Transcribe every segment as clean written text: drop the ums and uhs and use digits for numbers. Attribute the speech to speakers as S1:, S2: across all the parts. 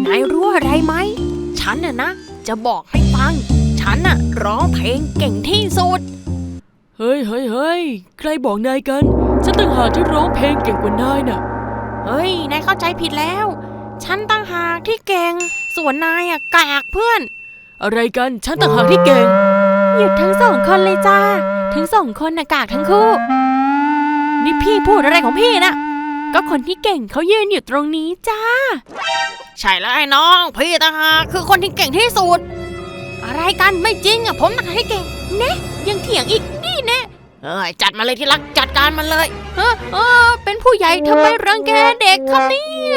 S1: นายรู้อะไรไหมฉันนะจะบอกให้ฟังฉันร้องเพลงเก่งที่สุด
S2: เฮ้ยใครบอกนายกันฉันต่างหากที่ร้องเพลงเก่งกว่านายน่ะ
S1: เฮ้ยนายเข้าใจผิดแล้วฉันต่างหากที่เก่งส่วนนายกากเพื่อน
S2: อะไรกันฉันต่างหากที่เก่ง
S1: หยุดทั้งสองคนเลยจ้าทั้งสองคนกากทั้งคู่นี่พี่พูดอะไรของพี่นะก็คนที่เก่งเขายืนอยู่ตรงนี้จ้าใช่แล้วไอ้น้องพี่ต่างหากคือคนที่เก่งที่สุดอะไรกันไม่จริงผมต่างหากที่เก่งเนะยังเถียงอีกนี่เนะจัดมาเลยที่รักจัดการมันเลยเป็นผู้ใหญ่ทำไมรังแกเด็กครับเนี่ย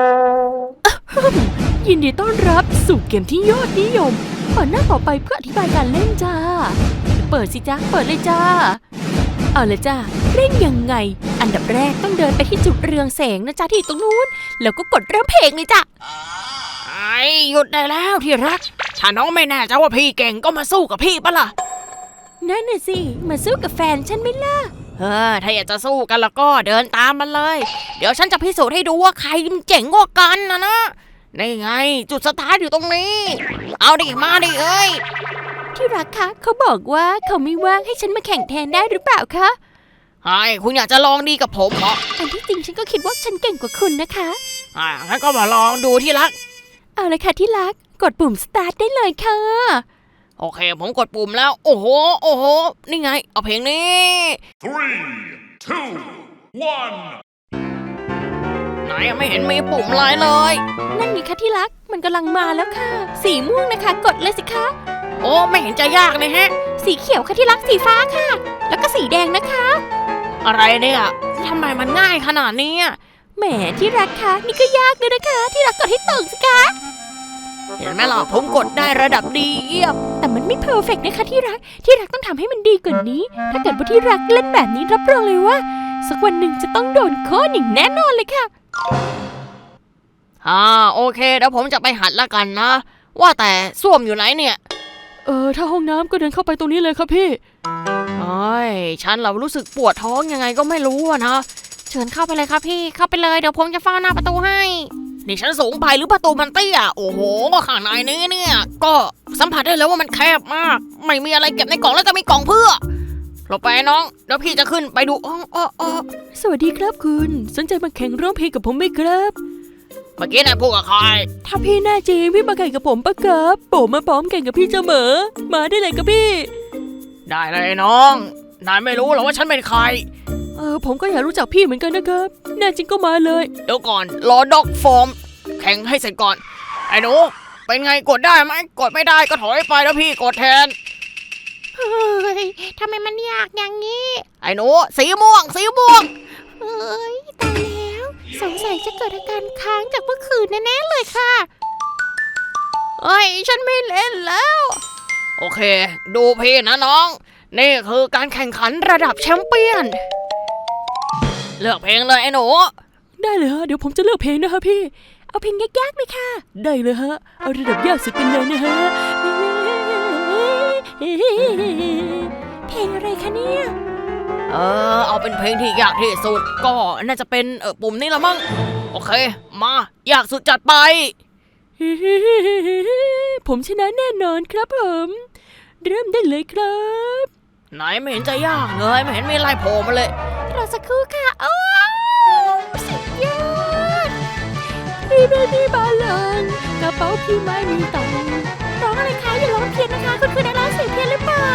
S2: ยินดีต้อนรับสู่เกมที่ยอดนิยมเปิดหน้าต่อไปเพื่ออธิบายการเล่นจ้าเปิดสิจ้าเปิดเลยจ้าเอาเลยจ้าเล่นยังไงอันดับแรกต้องเดินไปที่จุดเรืองแสงนะจ้าที่ตรงนู้นแล้วก็กดเริ่มเพลงเลยจ้า
S1: หยุดได้แล้วที่รักถ้าน้องไม่แน่ใจว่าพี่เก่งก็มาสู้กับพี่ปะล่ะ
S2: นั่นน่ะสิมาสู้กับแฟนฉันไหมล่ะ
S1: ถ้าอยากจะสู้กันแล้วก็เดินตามมันเลยเดี๋ยวฉันจะพิสูจน์ให้ดูว่าใครเจ๋งกว่ากันนะนี่ไงจุดสตาร์ทอยู่ตรงนี้เอาดิมาดิเอ้ย
S2: ที่รักคะเขาบอกว่าเขาไม่ว่างให้ฉันมาแข่งแทนได้หรือเปล่าคะ
S1: คุณอยากจะลองดีกับผมเหรอ
S2: อันที่จริงฉันก็คิดว่าฉันเก่งกว่าคุณนะคะ
S1: งั้นก็มาลองดูที่รัก
S2: เอาเลยค่ะที่รักกดปุ่มสตาร์ทได้เลยค่ะ
S1: โอเคผมกดปุ่มแล้วโอ้โหนี่ไงเอาเพลงนี้3 2 1ไหนไม่เห็นมีปุ่มอะไรเลย
S2: นั่นไงคะที่รักมันกำลังมาแล้วค่ะสีม่วงนะคะกดเลยสิคะ
S1: โอ้ไม่เห็นจะยากเลยฮะ
S2: สีเขียวค่ะที่รักสีฟ้าค่ะแล้วก็สีแดงนะคะ
S1: อะไรเนี่ยทำไมมันง่ายขนาดนี้
S2: แหมที่รักคะนี่ก็ยากเลยนะคะที่รักกดให้ตรงสิคะ
S1: เห็นไหมล่ะผมกดได้ระดับดีเยี่ยม
S2: แต่มันไม่เพอร์เฟกต์นะคะที่รักต้องทำให้มันดีกว่านี้ถ้าเกิดว่าที่รักเล่นแบบนี้รับรองเลยว่าสักวันหนึ่งจะต้องโดนโค่นอย่างแน่นอนเลยค่ะ
S1: โอเคเดี๋ยวผมจะไปหัดละกันนะว่าแต่ส้วมอยู่ไหนเนี่ย
S2: ถ้าห้องน้ำก็เดินเข้าไปตรงนี้เลยครับพี่
S1: ฉันเรารู้สึกปวดท้องยังไงก็ไม่รู้นะเชิญเข้าไปเลยครับพี่เข้าไปเลยเดี๋ยวผมจะเฝ้าหน้าประตูให้นี่ฉันสูงไปหรือประตูมันเตี้ยโอ้โหข้างในนี้เนี่ยก็สัมผัสได้แล้วว่ามันแคบมากไม่มีอะไรเก็บในกล่องแล้วจะมีกล่องเพื่อเราไปน้องเดี๋ยวพี่จะขึ้นไปดู
S2: สวัสดีครับคุณสนใจมาแข่งร้องเพลงกับผมไหมครับ
S1: เมื่อกี้นายพูดกับใคร
S2: ถ้าพี่แน่จริงพี่มาแข่งกับผมปะครับผมมาพร้อมแข่งกับพี่เสมอมาได้เลยครับพี่
S1: ได้เลยน้องนายไม่รู้หรอว่าฉันเป็นใคร
S2: ผมก็อยากรู้จักพี่เหมือนกันนะครับแน่จริงก็มาเลย
S1: เดี๋ยวก่อนรอด็อกฟอร์มแข่งให้เสร็จก่อนไอ้หนูเป็นไงกดได้ไหมกดไม่ได้ก็ถอยไปแล้วพี่กดแทน
S2: เฮ้ยทำไมมันยากอย่างนี้
S1: ไอ้หนูสีม่วง
S2: ตายแล้วสงสัยจะเกิดอาการค้างจากเมื่อคืนแน่ๆเลยค่ะฉันไม่เล่นแล้ว
S1: โอเคดูพี่นะน้องนี่คือการแข่งขันระดับแชมเปี้ยนเลือกเพลงเลยไอ้หนู
S2: ได้เลยฮะเดี๋ยวผมจะเลือกเพลงนะคะพี่เอาเพลงยากๆไหมค่ะได้เลยฮะเอาระดับยากสุดไปเลยนะฮะเพลงอะไรคะเนี่ย
S1: เอาเป็นเพลงที่ยากที่สุดก็น่าจะเป็นปุ่มนี้ละมั้งโอเคมายากสุดจัดไป
S2: ผมชนะแน่นอนครับผมเริ่มได้เลยครับ
S1: ไหนไม่เห็นจะยากเลยไม่เห็นมีอะไรโผล่มาเลย
S2: รอสักครู่ค่ะสุดยอดพี่ไม่มีบาลานกระเป๋าพี่ไม่มีตังค์ร้องอะไรคะอย่าร้องเพี้ยนนะคะคุณคือนักร้องเสียงเพี้ยนหรือเปล่า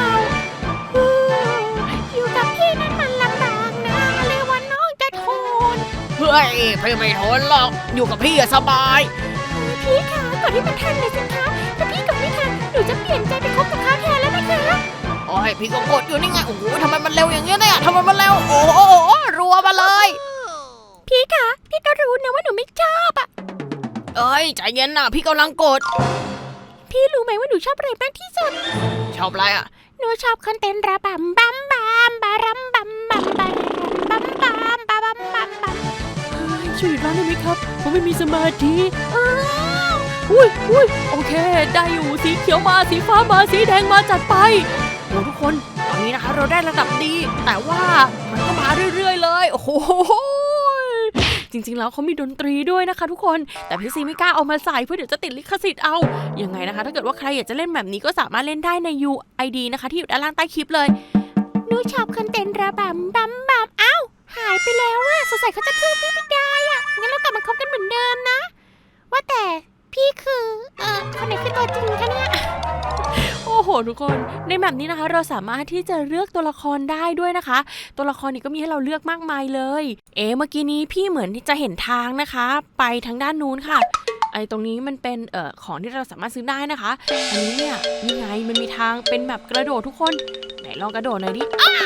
S2: อยู่กับพี่นั้นมันลำบากนะเรียกว่าน้องจะทน
S1: พี่ไม่ทนหรอกอยู่กับพี่สบาย
S2: พี่คะก่อนที่มันทันเลยสิคะถ้าพี่กดไม่ทันหนูจะเปลี่ยนใจไปคบกับเขาแทนแล้วนะคะ
S1: พี่ก็กดอยู่นี่ไงโอ้โหทำไมมันเร็วอย่างเงี้ยเนี่ยทำไมมันเร็วโอ้โหรัวมาเลย
S2: พี่คะพี่ก็รู้นะว่าหนูไม่ชอบ
S1: ใจเย็นนะพี่กำลังกด
S2: พี่รู้ไหมว่าหนูชอบอะไรมากที่สุด
S1: ชอบอะไร
S2: หนูชอบคนเต้นระบำบัมบัมบารัมบัมบัมบารัมบัมบัมบาบัมบัมบัมช่วยหยุดร้องได้ไหมครับผมไม่มีสมาธิอุ้ยโอเคได้อยู่สีเขียวมาสีฟ้ามาสีแดงมาจัดไป
S1: โอ้ทุกคนตอนนี้นะคะเราได้ระดับดีแต่ว่ามันก็มาเรื่อยๆเลยโอ้โหจริงๆแล้วเขามีดนตรีด้วยนะคะทุกคนแต่พี่ซีไม่กล้าเอามาใส่เพราะเดี๋ยวจะติดลิขสิทธิ์เอายังไงนะคะถ้าเกิดว่าใครอยากจะเล่นแบบนี้ก็สามารถเล่นได้ใน UID นะคะที่อยู่ด้านล่างใต้คลิปเลย
S2: หนูชอบคนเต้นระบำบัมบัมอ้าวหายไปแล้วอะสงสัยเขาจะทืบพี่ไม่ได้อะงั้นเรากลับมาคบกันเหมือนเดิมนะว่าแต่พี่คือคนไหนคือตัวจริงคะเนี่ย
S1: โอ้โหทุกคนในแบบนี้นะคะเราสามารถที่จะเลือกตัวละครได้ด้วยนะคะตัวละครนี้ก็มีให้เราเลือกมากมายเลยเมื่อกี้นี้พี่เหมือนที่จะเห็นทางนะคะไปทางด้านนู้นค่ะไอ้ตรงนี้มันเป็นของที่เราสามารถซื้อได้นะคะอันนี้เนี่ยนี่ไงมันมีทางเป็นแบบกระโดดทุกคนไหนลองกระโดดหน่อยดิ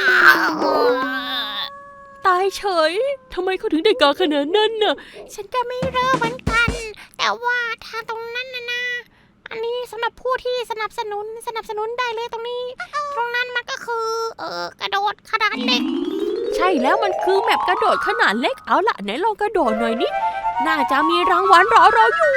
S1: ตายเฉยทำไมเขาถึงได้กาขนาดนั้นน่ะ
S2: ฉันก็ไม่รู้เหมือนกันแต่ว่าทางตรงนั้นนะอันนี้สำหรับผู้ที่สนับสนุนได้เลยตรงนี้ตรงนั้นมันก็คือกระโดดขนาดเล็ก
S1: ใช่แล้วมันคือแมปกระโดดขนาดเล็กเอาล่ะไหนลองกระโดดหน่อยนี่น่าจะมีรางวัลรอเราอยู่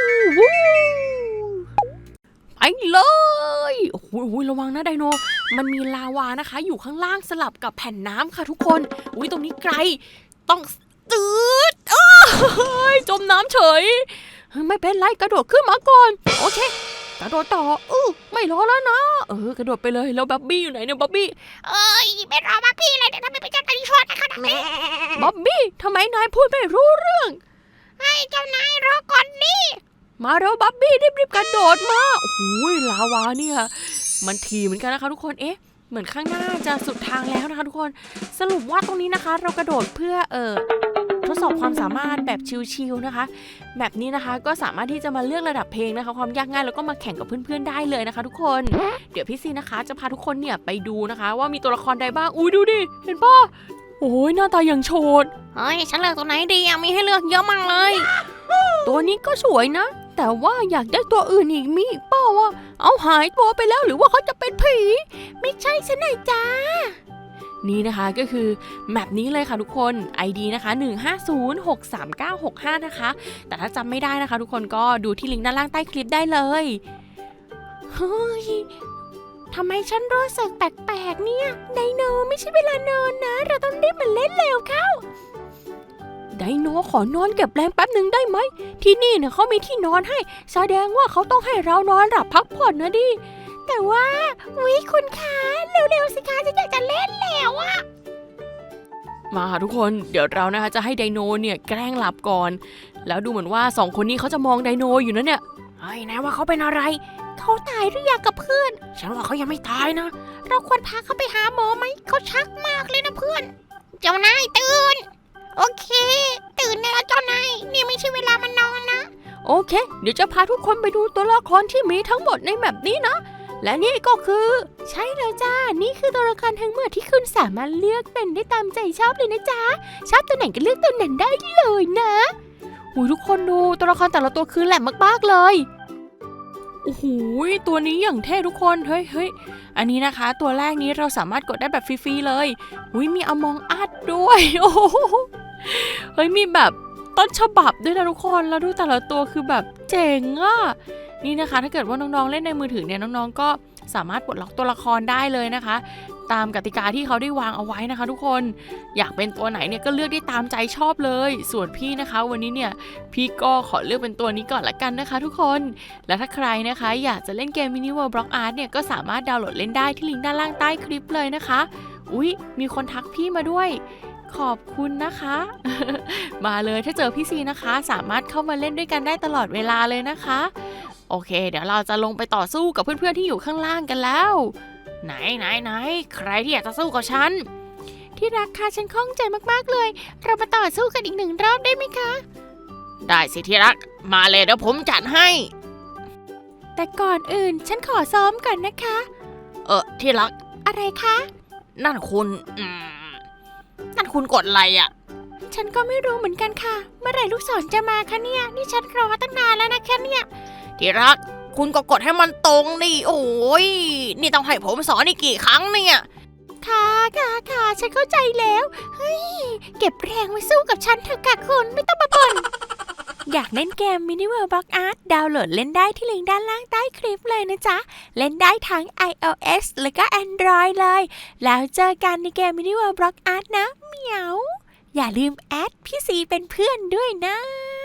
S1: ไปเลยโอ้โหระวังนะไดโนมันมีลาวานะคะอยู่ข้างล่างสลับกับแผ่นน้ำค่ะทุกคนอุ้ยตรงนี้ไกลต้องจืดจมน้ำเฉยไม่เป็นไรกระโดดขึ้นมาก่อนโอเคกระโดดต่อไม่รอแล้วนะกระโดดไปเลยแล้วบับบี้อยู่ไหนเนี่ยบับบี้
S2: ไม่รอบับบี้เลยเดี๋ยวทำไมเป็นเจ้านายชอตขนาดนี้
S1: บับบี้ทำไมนายพูดไม่รู้เรื่อง
S2: ให้เจ้านายรอก่อนนี่
S1: มาเร็วบับบี้รีบกระโดดมาโอ้โหลาวาเนี่ยมันถี่เหมือนกันนะคะทุกคนเหมือนข้างหน้าจะสุดทางแล้วนะคะทุกคนสรุปว่าตรงนี้นะคะเรากระโดดเพื่อทดสอบความสามารถแบบชิลๆนะคะแบบนี้นะคะก็สามารถที่จะมาเลือกระดับเพลงนะคะความยากง่ายแล้วก็มาแข่งกับเพื่อนๆได้เลยนะคะทุกคนเดี๋ยวพี่ซีนะคะจะพาทุกคนเนี่ยไปดูนะคะว่ามีตัวละครใดบ้างอุ้ยดูดิเห็นป่ะโอ้ยหน้าตาอย่างโฉด
S2: ฉันเลือกตัวไหนดีมีให้เลือกเยอะมากเลย
S1: ตัวนี้ก็สวยนะแต่ว่าอยากได้ตัวอื่นอีกมีเปล่าวะเอาหายตัวไปแล้วหรือว่าเขาจะเป็นผี
S2: ไม่ใช่ซะหน่อยจ้า
S1: นี่นะคะก็คือแมปนี้เลยค่ะทุกคน ID นะคะ1506395นะคะแต่ถ้าจำไม่ได้นะคะทุกคนก็ดูที่ลิงก์ด้านล่างใต้คลิปได้เลย
S2: เฮ้ยทำไมฉันรู้สึกแปลกๆเนี่ยไดโนไม่ใช่เวลานอนนะเราต้องรีบมาเล่นเร็วเข้า
S1: ไดโนขอนอนเก็บแรงแป๊บหนึ่งได้ไหมที่นี่เนี่ยเขามีที่นอนให้แสดงว่าเขาต้องให้เรานอนหลับพักผ่อนนะดิ
S2: แต่ว่าคุณคะเร็วๆสิคะฉันอยากจะเล่นแล้วอะ
S1: มาค่ะทุกคนเดี๋ยวเรานะคะจะให้ไดโนเนี่ยแกล้งหลับก่อนแล้วดูเหมือนว่า2คนนี้เขาจะมองไดโนอยู่นะเนี่ย
S2: นะว่าเขาเป็นอะไรเขาตายหรือยังกับเพื่อน
S1: ฉันว่าเขายังไม่ตายนะ
S2: เราควรพาเขาไปหาหมอไหมเขาชักมากเลยนะเพื่อนเจ้านายตื่นโอเคตื่นแล้วเจ้านายนี่ไม่ใช่เวลามานอนนะ
S1: โอเคเดี๋ยวจะพาทุกคนไปดูตัวละครที่มีทั้งหมดในแมปนี้นะและนี่ก็คือ
S2: ใช่แล้วจ้านี่คือตัวละครทั้งหมดที่คุณสามารถเลือกเป็นได้ตามใจชอบเลยนะจ๊ะชอบตัวไหนก็เลือกตัวนั้นได้เลยนะ
S1: ทุกคนดูตัวละครแต่ละตัวคือแหลมมากๆเลยโอ้โหตัวนี้อย่างเท่ทุกคนเฮ้ยอันนี้นะคะตัวแรกนี้เราสามารถกดได้แบบฟรีๆเลยมีอมองอัดด้วยโอ้เฮ้ยมีแบบต้นฉบับด้วยนะทุกคนแล้วดูแต่ละตัวคือแบบเจ๋งอ่ะนี่นะคะถ้าเกิดว่าน้องๆเล่นในมือถือเนี่ยน้องๆก็สามารถปลดล็อกตัวละครได้เลยนะคะตามกติกาที่เขาได้วางเอาไว้นะคะทุกคนอยากเป็นตัวไหนเนี่ยก็เลือกได้ตามใจชอบเลยส่วนพี่นะคะวันนี้เนี่ยพี่ก็ขอเลือกเป็นตัวนี้ก่อนละกันนะคะทุกคนและถ้าใครนะคะอยากจะเล่นเกม Mini World Block Art เนี่ยก็สามารถดาวน์โหลดเล่นได้ที่ลิงก์ด้านล่างใต้คลิปเลยนะคะมีคนทักพี่มาด้วยขอบคุณนะคะมาเลยถ้าเจอพี่ซีนะคะสามารถเข้ามาเล่นด้วยกันได้ตลอดเวลาเลยนะคะโอเคเดี๋ยวเราจะลงไปต่อสู้กับเพื่อนๆที่อยู่ข้างล่างกันแล้วไหนใครที่อยากจะสู้กับฉัน
S2: ที่รักค่ะฉันคล่องใจมากๆเลยเรามาต่อสู้กันอีก1 รอบได้ไหมคะ
S1: ได้สิที่รักมาเลยเดี๋ยวผมจัดให้
S2: แต่ก่อนอื่นฉันขอซ้อมก่อนนะคะ
S1: ที่รัก
S2: อะไรคะ
S1: นั่นคุณกดอะไรอ่ะ
S2: ฉันก็ไม่รู้เหมือนกันค่ะเมื่อไหร่ลูกศรจะมาคะเนี่ยนี่ฉันรอตั้งนานแล้วนะแค่เนี่ย
S1: ที่รักคุณก็กดให้มันตรงดิโอ้ยนี่ต้องให้ผมสอนอีกกี่ครั้งเนี่ย
S2: ค่ะฉันเข้าใจแล้วเฮ้ยเก็บแรงไว้สู้กับฉันเถอะค่ะคุณไม่ต้องมาบ่นอยากเล่นเกม Mini World Block Art ดาวน์โหลดเล่นได้ที่ลิงก์ด้านล่างใต้คลิปเลยนะจ๊ะเล่นได้ทั้ง iOS และก็ Android เลยแล้วเจอกันในเกม Mini World Block Art นะเหมียว
S1: อย่าลืมแอดพี่ซีเป็นเพื่อนด้วยนะ